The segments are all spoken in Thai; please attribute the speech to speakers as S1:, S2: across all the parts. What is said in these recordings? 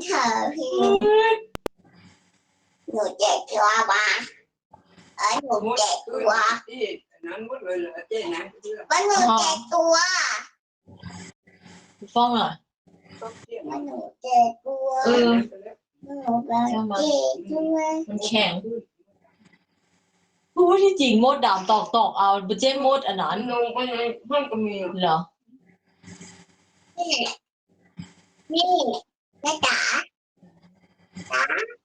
S1: เธอพี่หนูเจ็บตัวบ้าหนูเจ็บตัว
S2: นั้นหมดเลยเหรอเจ๊นะ
S1: มันหนูเจ็บตัว
S3: ฟ้องอ่ะ
S1: มันหนูเจ็บตัวหนูแบบเจ็บตัว
S3: มันแข็งพูดที่จริงมดดำตอกเอาเจ๊มดอันนั้น
S2: ลงไปในห้องก็มี
S3: เหรอ
S1: นี่แม่จ๋าจ๋า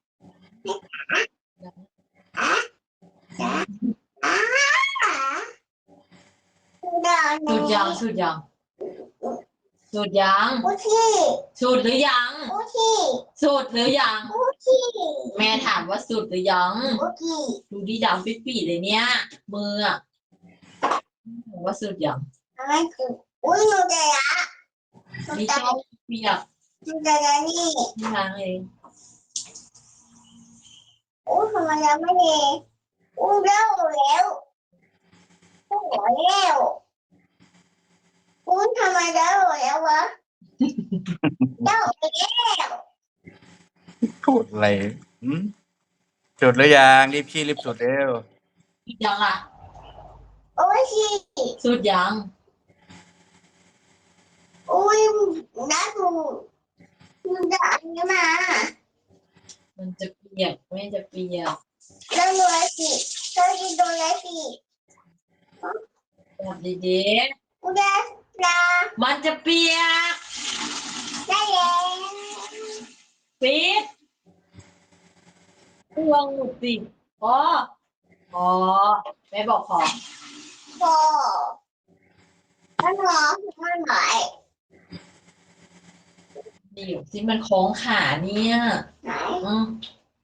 S1: จ๋า
S3: สูดยังสูดยังสูดยัง
S1: อุที่
S3: สูดหรือยัง
S1: อุที่
S3: สูดหรือยัง
S1: อุที่
S3: แม่ถามว่าสูดหรือยัง
S1: อุที่
S3: ดูดีดำปิ๊ดๆเลยเนี่ยมืออ่ะถามว่าสูดยัง
S1: อะไรคืออุ้ยหนูเจ็บอ่ะ
S3: นี่ชอบเปียก
S1: หนูเจ็บนี่
S3: ที่ล้างเอง
S1: อุ้ยทำไมยังไม่ดีอุ้ยเร็วแล้วอุ้ยเร็วอุ้ยทำไมเร็วแล้ววะเร็วแล้ว
S4: พูดอะไรจุดหรือยังรีบขี้รีบจุดเร็ว
S3: สูดยังอ่ะ
S1: โอ้ยที่
S3: สูดยัง
S1: อุ้ยน้าดูด่าอันนี้มา
S3: มันจะเปียกแม่จะเปียก
S1: แล้วหนูอะไรสิเธอกินตัวอะไรสิ
S3: แบบดี
S1: กูได้ปลา
S3: ๆมันจะเปียก
S1: ได้แล้ว
S3: ปิดวางหมุดสิพอแม่บอกพอ
S1: พอแล้วหนูมันไหน
S3: เดี๋ยวที่มันคล้องขาเนี่ย
S1: ไหน
S3: อืม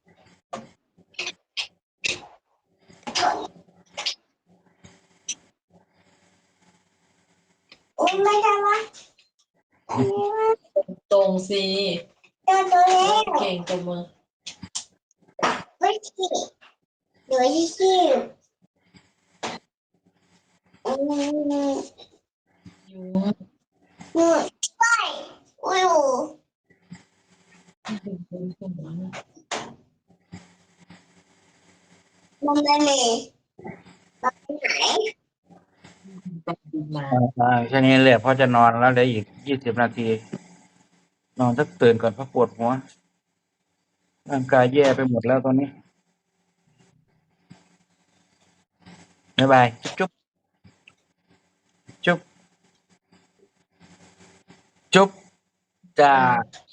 S1: อุ้ยไม่ได้วะอันนี้ว่า
S3: ตรงสิ
S1: เจอตัวแล้ว
S3: เก่งตัวมือ
S1: ไม่ขี้เดี๋ยวที่ขี้อืม
S3: ยุง
S1: ไปอุ้ยมันไม่มีมันไหน
S3: มา
S4: แค่นี้เลยพ่อจะนอนแล้วเหลืออีก20 นาที นอนสักตื่นก่อนเพราะปวดหัวร่างกายแย่ไปหมดแล้วตอนนี้บ๊ายบายจุ๊บจุ๊บจุ๊บจ้า